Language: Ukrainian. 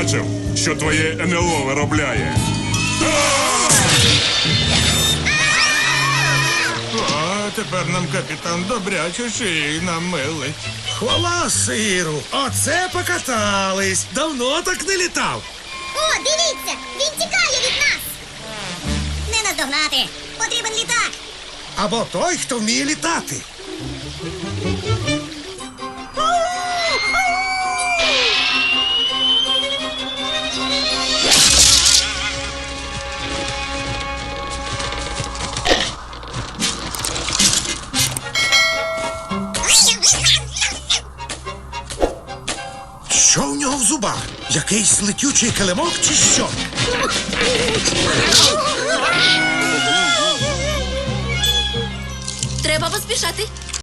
бачив, що твоє НЛО виробляє. О, тепер нам капітан добряче шиї намилить. Хвала сиру! Оце покатались! Давно так не літав! О, дивіться! Він тікає від нас! Не наздогнати! Потрібен літак! Або той, хто вміє літати. Що в нього в зубах? Якийсь летючий килимок чи що? Треба поспішати.